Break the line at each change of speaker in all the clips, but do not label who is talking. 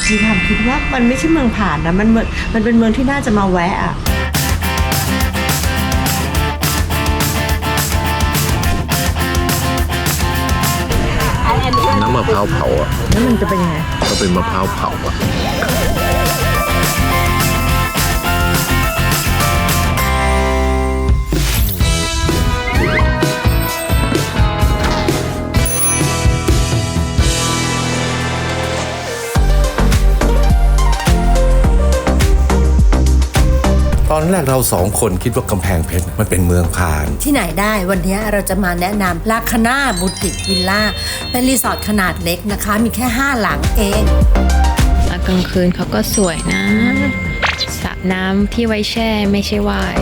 มีความคิดว่ามันไม่ใช่เมืองผ่านนะมันเป็นเมืองที่น่าจะมาแวะอะ
น้ำมะพร้าวเผาอ่ะ
แล้วมันจะเป็นยังไง
ก็เป็นมะพร้าวเผาอ่ะตอนแรกเราสองคนคิดว่ากำแพงเพชรมันเป็นเมืองผ่าน
ที่ไหนได้วันนี้เราจะมาแนะนำลาคาน่าบูติกวิลล่าเป็นรีสอร์ทขนาดเล็กนะคะ มีแค่ 5 หลังเอง
ตอนกลางคืนเขาก็สวยนะสระน้ำที่ไว้แช่ไม่ใช่ว่าย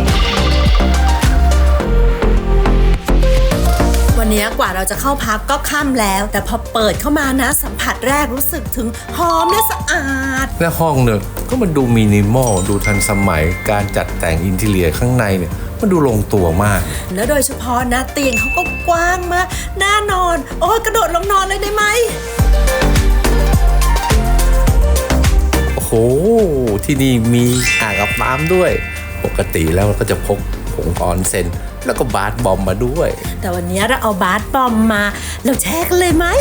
วันนี้กว่าเราจะเข้าพักก็ค่ำแล้ว แต่พอเปิดเข้ามานะสัมผัสแรกรู้สึกถึงหอมและสะอาด
และห้องเนี่ยก็มันดูมินิมอลดูทันสมัยการจัดแต่งอินทีเรียข้างในเนี่ยมันดูลงตัวมาก
แล้วโดยเฉพาะนะเตียงเขาก็กว้างมากน่านอน โอ้ยกระโดดลงนอนเลยได้ไหม
โอ้โห ที่นี่มีอ่างอาบน้ำด้วย ปกติแล้วเราก็จะพกผงออนเซ็นแล้วก็บาสบอมมาด้วย
แต่วันนี้เราเอาบาสบอมมาเราแช่กันเลยไหม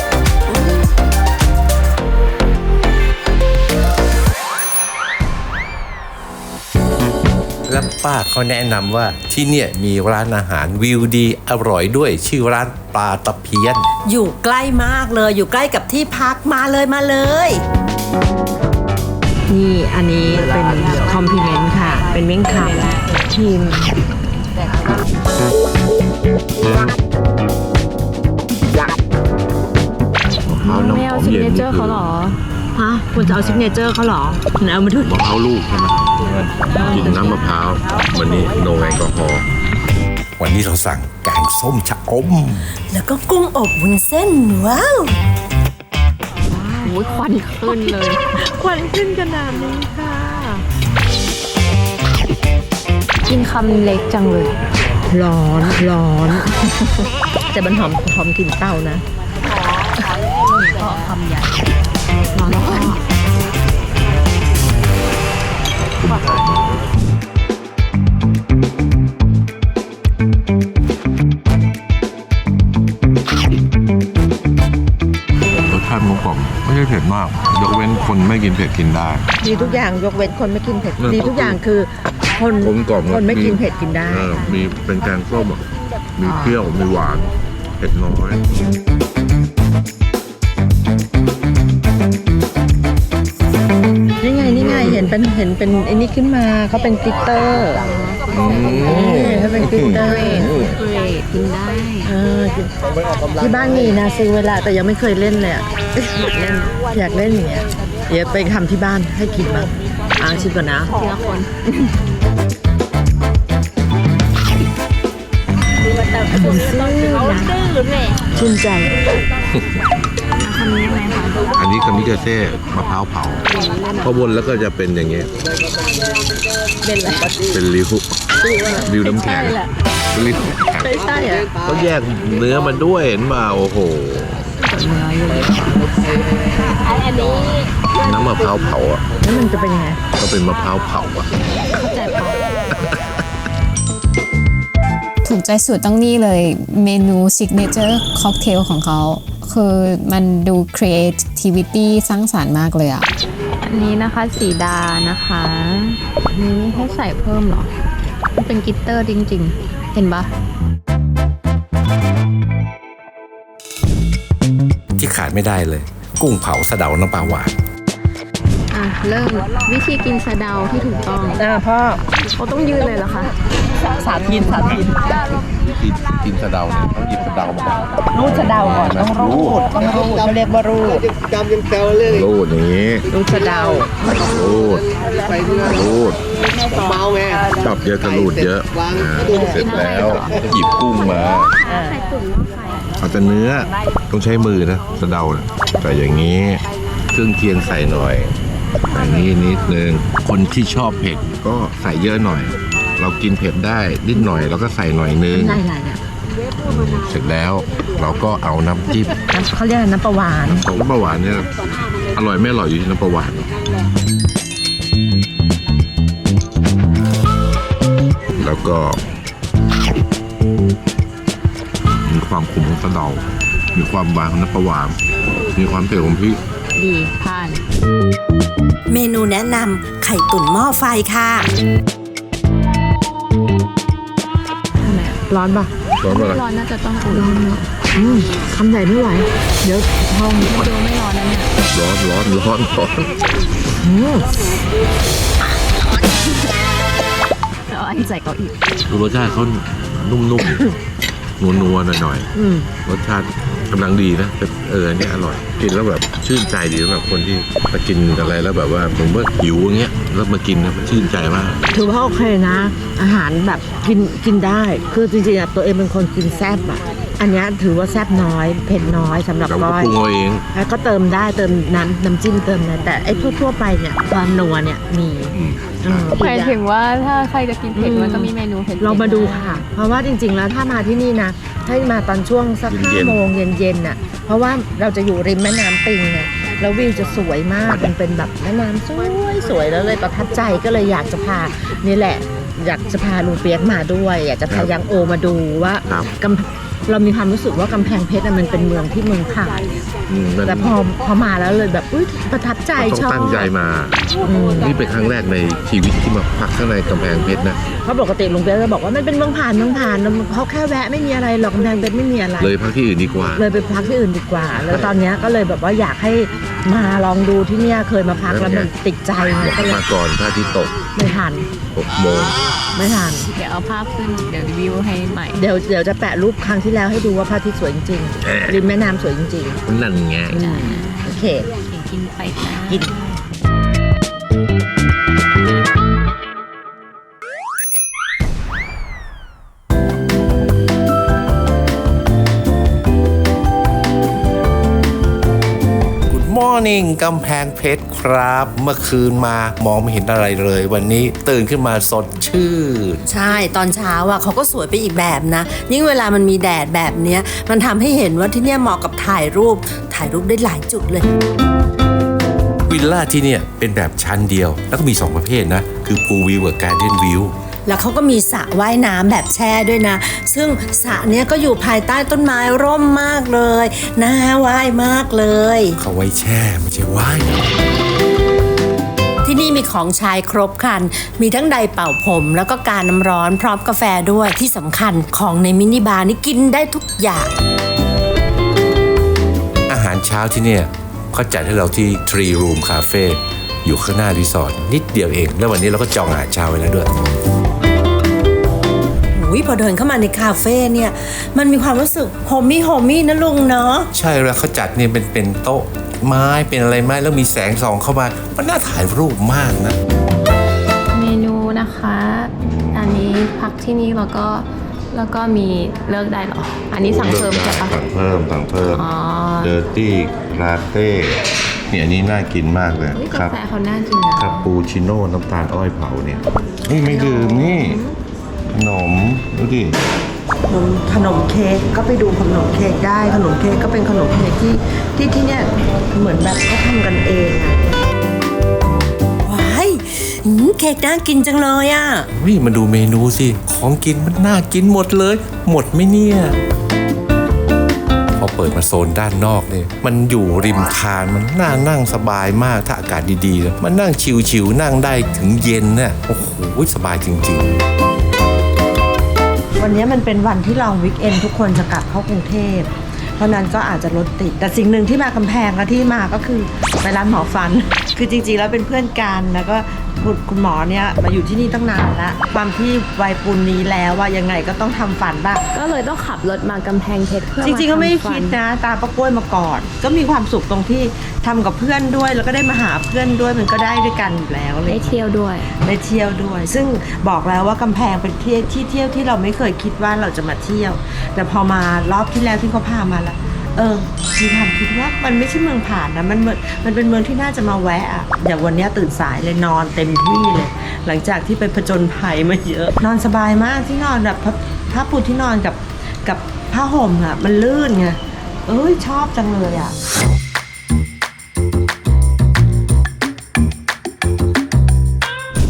แล้วป้าเขาแนะนำว่าที่เนี่ยมีร้านอาหารวิวดีอร่อยด้วยชื่อร้านปลาตะเพียน
อยู่ใกล้มากเลยอยู่ใกล้กับที่พักมาเลยมาเลย
นี่อันนี้เป็นคอมพลีเมนต์ค่ะ เป็นเมี่ยงคำทีม
ไม่เอาซิกเนเจอร์เขาหรอ
ฮะคุณจะเอาซิกเนเจอร์เขาเหรอไหนเอามาดู
มะพร้าวลูกใช่ไหมกินน้ำมะพร้าววันนี้โนแอลกอฮอล์วันนี้เราสั่งแกงส้มชะอม
แล้วก็กุ้งอบวุ้นเส้นว้าว
โอ้ยควันขึ้นเลย
ควันขึ้นขนาดนี้ค่ะ
กินคำเล็กจังเลย
ร้อน แต่มันหอมกลิ่นเต้านะ
ก็คำใหญ่ร้อนแล้วก็
รสชาติกลมกล่อมไม่ใช่เผ็ดมาก ยกเว้นคนไม่กินเผ็ดกินได้
ดีทุกอย่างยกเว้นคนไม่กินเผ็ดดีทุกอย่างคือคน
กลมกล่อม
คนไม่กินเผ็ดกินได้
มีเป็นแกงส้มอ่ะมีเปรี้ยวมีหวานเผ็ดน้อย
นี่ไงเห็นเป็นไอ้นี่ขึ้นมาเขาเป็นกลิตเตอร์เขาเป็นกลิตเตอร์
เกรดกินได้
ที่บ้านมีนะซื้อเวลาแต่ยังไม่เคยเล่นเลยอะอยากเล่นอย่างเงี้ยเดี๋ยวไปทำที่บ้านให้กินบ้างชิมก่อนนะ
ทีละคน
ชื่นใจ
คำนี้ไหมคะ
อันนี้คามิกาเซ่มะพร้าวเผาพอบนแล้วก็จะเป็นอย่างเงี้ยเป็นริวน้ำแข็งริวน้ำแข็ง
ไม่ใช่อะ
เขาแยกเนื้อมาด้วยเห็นมาโอ้โหน้ำมะพร้าวเผาอ่ะ
แล้วมันจะเป็นยังไง
ก็เป็นมะพร้าวเผาอ่ะ
ถูกใจสุดต้องนี่เลยเมนูซิกเนเจอร์ค็อกเทลของเขาคือมันดู creativity สร้างสรรค์มากเลยอะ
อันนี้นะคะสีดานะคะอันนี้ไม่ให้ใส่เพิ่มหรอ มันเป็นกลิตเตอร์จริงๆ เห็นปะ
ที่ขาดไม่ได้เลย กุ้งเผาสะเดาน้ำปลาหวาน
เริ่มวิธีกินสะเดาที่ถูกต้อง
พ่อ
เขาต้องยืนเลยเหรอคะ
สาธิต
วิธีกินสะเดาเนี่ยต้องหยิบสะเดามาก่อน
รูดสะเดาก่อนต้องรูดเขาเรียกว่ารูด
รูดอย่างนี้
รูดสะเดา
รูดจับเยอะก็รูดเยอะเสร็จแล้วหยิบกุ้งมาเอาแต่เนื้อต้องใช้มือนะสะเดาเนี่ยใส่อย่างนี้เครื่องเคียงใส่หน่อยอย่างนี้นิดนึงคนที่ชอบเผ็ดก็ใส่เยอะหน่อย เรากินเผ็ดได้นิดหน่อยเราก็ใส่หน่อยนึง
อะไรเนี่ย
เสร็จแล้วเราก็เอาน้ำจิ้ม
เขาเรียกน้ำปลาหวาน
ของน้ำปลาหวานเนี่ยอร่อยไม่อร่อยอยู่ที่น้ำปลาหวานแล้วก็มีความขมของกระเดามีความหวานของน้ำปลาหวานมีความเผ็ดของพริก
ดีผ่าน
เมนูแนะนำไข่ตุ๋นหม้อไฟค่ะ
ร้อนปะ
ร้อนปะล่ะ
ร้อนน่าจะต้องอุ่น
คำใหญ่ไม่ไหว เดี๋ยวท้อง
ดูไม่ร้อนนะเนี่ย
ร้อน
เอาอันใส่เก้าอี้
ดูรสชาติเขานุ่มๆ นัวๆหน่อยๆรสชาติกำลังดีนะแต่เนี่ยอร่อยกินแล้วแบบชื่นใจดีสำหรับคนที่มากินอะไรแล้วแบบว่าผมว่าหิวอย่างเงี้ยแล้วมากินนะมันชื่นใจมาก
ถือว่าโอเคนะ อาหารแบบกินได้ คือจริงๆอะตัวเองเป็นคนกินแซ่บอะอันเนี้ยถือว่าแซ่บน้อยเผ็ดน้อยสำหรับ
เราก็
ก้อย
ปรุงเอาเอง
แล้วก็เติมได้เติมน้ำจิ้มเติมอะไรแต่ไอ้ทั่วๆไปเนี่ยความนัวเนี่ยมี
หมายถึงว่าถ้าใครจะกินเผ็ดมันก็มีเมนูเผ็ดๆ
เรามาดูค่ะ เพราะว่าจริงๆแล้วถ้ามาที่นี่นะให้มาตอนช่วงสัก
เย็นๆ
5 โมงเย็นๆน่ะเพราะว่าเราจะอยู่ริมแม่น้ำปิงไงแล้ววิวจะสวยมากมันเป็นแบบแม่น้ำสวยแล้วเลยประทับใจก็เลยอยากจะพานี่แหละ อยากจะพาลุงเปียกมาด้วย อยากจะพายังโอมาดูว่า
ครับ
เรามีความรู้สึกว่ากำแพงเพชรมันเป็นเมืองที่เมืองผ่าน
มัน
แต่พอมาแล้วเลยแบบอุ๊ยประทับใจ
ต้อง
ชอบ
ตั้งใจมา นี่เป็นครั้งแรกในชีวิตที่มาพักข้างในกำแพงเพชรนะ
เพราะปกติลุงเปียกจะบอกว่ามันเป็นเมืองผ่านเขาแค่แวะไม่มีอะไรหรอกกำแพงเพชรไม่มีอะไร
เลยพักที่อื่นดีกว่า
เลยไปพักที่อื่นดีกว่า แล้วตอนเนี้ยก็เลยแบบว่าอยากให้มาลองดูที่เนี่ยเคยมาพักแล้วมันติดใจก็เลย
มาก่อนพระอาทิตย์ตก
ไม่ทัน
6 โมง
ไม่ทัน
เดี๋ยวเอาภาพขึ้นเดี๋ยวรีวิวให้ใหม่
เดี๋ยวจะแปะรูปครั้งที่แล้วให้ดูว่าพระอาทิตย์สวยจริงๆริมแม่น้ำสวยจริง
นั่นไง
ๆโอเค
กินไปจ้า
กิน
มอร์นิ่งกำแพงเพชรครับ เมื่อคืนมามองไม่เห็นอะไรเลย วันนี้ตื่นขึ้นมาสดชื่น
ใช่ตอนเช้าอ่ะเขาก็สวยไปอีกแบบนะ ยิ่งเวลามันมีแดดแบบเนี้ยมันทำให้เห็นว่าที่เนี่ยเหมาะกับถ่ายรูปได้หลายจุดเลย
วิลล่าที่เนี่ยเป็นแบบชั้นเดียว แล้วก็มี 2 ประเภทนะ คือพูลวิวกับการ์เด้นวิว
แล้วเขาก็มีสระว่ายน้ำแบบแช่ด้วยนะ ซึ่งสระเนี้ยก็อยู่ภายใต้ต้นไม้ร่มมากเลยน่าว่ายมากเลย
เขาไว้แช่ไม่ใช่ว่าย
ที่นี่มีของใช้ครบครัน มีทั้งไดร์เป่าผมแล้วก็การน้ำร้อนพร้อมกาแฟด้วยที่สำคัญของในมินิบาร์นี่กินได้ทุกอย่าง
อาหารเช้าที่เนี่ยเขาจัดให้เราที่ Tree Room Cafe อยู่ข้างหน้ารีสอร์ทนิดเดียวเอง แล้ววันนี้เราก็จองอาหารเช้าไว้แล้วด้วย
พอเดินเข้ามาในคาเฟ่เนี่ยมันมีความรู้สึกโฮมี่นะลุงเนาะ
ใช่แล้วเขาจัดเนี่ยเป็นโต๊ะไม้เป็นอะไรไม้แล้วมีแสงส่องเข้ามา มันน่าถ่ายรูปมากนะ
เมนูนะคะ อันนี้พักที่นี่แล้วก็มีเลิกได้เหรอ อันนี้สั่งเพิ่มใช่ปะ
สั่งเพิ่ม
อ๋อ
เดอร์ตี้ลาเต้เนี่ยอันนี้น่ากินมากเลย
เฮ้ย
ค
กา
รับ
แฟเขาน่ากินนะ
คาปูชิโน่น้ำตาลอ้อยเผาเนี่ยนี่ไม่ดื่มนี่ขนมดูดิ
ขนมเค้กก็ไปดูขนมเค้กได้ขนมเค้กก็เป็นขนมเค้กที่เนี่ยเหมือนแบบเขาทำกันเองอะ
ว้ายเค้กน่ากินจังเลยอ่ะ
วิ่มาดูเมนูสิ ของกินมันน่ากินหมดเลย หมดไหมเนี่ย พอเปิดมาโซนด้านนอกเนี่ยมันอยู่ริมทานมันน่านั่งสบายมากถ้าอากาศดีๆนะมันนั่งชิวๆนั่งได้ถึงเย็นเนี่ยโอ้โหสบายจริงๆ
วันนี้มันเป็นวันที่ลองวีคเอนทุกคนจะกลับเข้ากรุงเทพเพราะนั้นก็อาจจะรถติดแต่สิ่งหนึ่งที่มากำแพงและที่มาก็คือไปร้านหมอฟัน คือจริงๆแล้วเป็นเพื่อนกันแล้วก็คุณหมอเนี่ยมาอยู่ที่นี่ตั้งนานแล้วความที่วัยปูนนี้แล้วว่ายังไงก็ต้องทำฟันบ้าง
ก็เลยต้องขับรถมากำแพงเพชรเพื่อ
จริงๆก็ไม่ได้
าทำฟั
คิดนะตามป้ากล้วยมาก่อน ก็มีความสุขตรงที่ทำกับเพื่อนด้วย แล้วก็ได้มาหาเพื่อนด้วยมันก็ได้ด้วยกันอยู่แล้วเลย
ได้เที่ยวด้วย
ได้เที่ยวด้วย ซึ่งบอกแล้วว่ากำแพงเป็นที่เที่ยวที่เราไม่เคยคิดว่าเราจะมาเที่ยว แต่พอมารอบที่แล้วที่เขาพามาแล้วมีความคิดว่ามันไม่ใช่เมืองผ่านนะมันเป็นเมืองที่น่าจะมาแวะอะอย่างวันนี้ตื่นสายเลยนอนเต็มที่เลย หลังจากที่ไปผจญภัยมาเยอะ นอนสบายมากที่นอนแบบผ้าปูที่นอนกับผ้าห่มอะมันลื่นไงชอบจังเลยอะ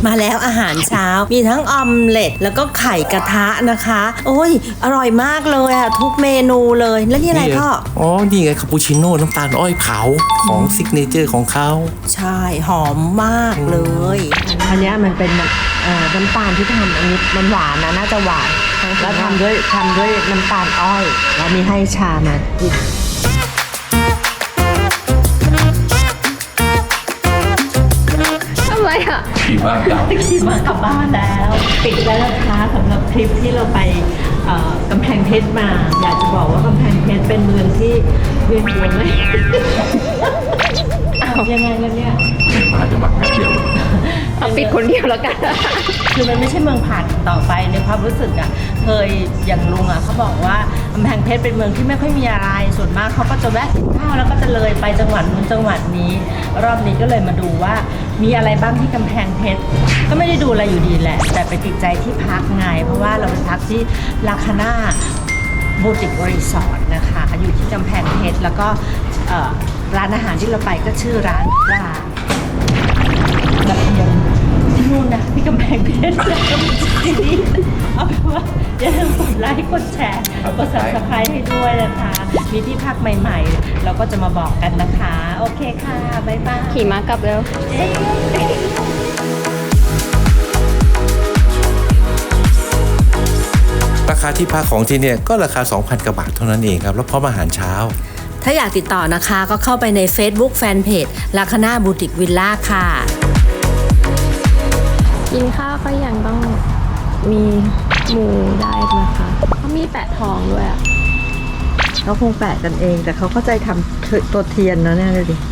มาแล้วอาหารเช้ามีทั้งออมเล็ตแล้วก็ไข่กระทะนะคะ โอ้ยอร่อยมากเลยอะทุกเมนูเลยแล้วนี่อะไรพ่อ
อ๋อ นี่ไงคาปูชิโน่น้ำตาลอ้อยเผาของซิกเนเจอร์ของเขา
ใช่หอมมากเลย
อันเนี้ยมันเป็นน้ำตาลที่ทำอันนี้มันหวานนะน่าจะหวานแล้วทำด้วยน้ำตาลอ้อยแล้วมีให้ชามาอีก
ทำไรอ่ะ
ขี่ม้ากลับ
ขี่ม้ากลับบ้านแล้วปิดแล้วนะคะสำหรับทริปที่เราไปกำแพงเพชรมา อยากจะบอกว่ากำแพงเพชรเป็นเมืองที่เวียนหัวเลยยังไงแล้วเนี่ย
มาจะมาแป๊บเดียว
เอาปิดคนเดียวแล้วกัน
คือมันไม่ใช่เมืองผ่านต่อไปในความรู้สึกอะเคยอย่างลุงอะเขาบอกว่ากำแพงเพชรเป็นเมืองที่ไม่ค่อยมีอะไรส่วนมากเขาก็จะแวะกินข้าวแล้วก็จะเลยไปจังหวัดนู้นจังหวัดนี้ รอบนี้ก็เลยมาดูว่ามีอะไรบ้างที่กำแพงเพชรก็ไม่ได้ดูอะไรอยู่ดีแหละ แต่ไปติดใจที่พักไงเพราะว่าเราไปพักที่ลาคาน่าบูติกรีสอร์ทนะคะอยู่ที่กำแพงเพชรแล้วก็ร้านอาหารที่เราไปก็ชื่อร้านปลากระเทียมที่นู่นนะที่กำแพงเพชรแล้วก็มีที่นี่เอาเป็นว่าอย่าลืมกดไลค์กดแชร์กด Subscribe ให้ด้วยนะคะมีที่พักใหม่ๆเราก็จะมาบอกกันนะคะโอเคค่ะบ๊ายบาย
ขี่ม้ากลับเร็ว
ราคาที่พักของที่เนี่ยก็ราคา 2,000 กว่าบาทเท่านั้นเองครับ แล้วพร้อมอาหารเช้า
ถ้าอยากติดต่อนะคะก็เข้าไปใน Facebook Fanpage ลาคาน่าบูติกวิลล่าค่ะ
กินข้าวก็ยังต้องมีหมูได้นะคะเขามีแปะทองด้วยอ่ะ
เขาคงแปะกันเองแต่เขาเข้าใจทำตัวเทียนนะเนี่ยเลยดิ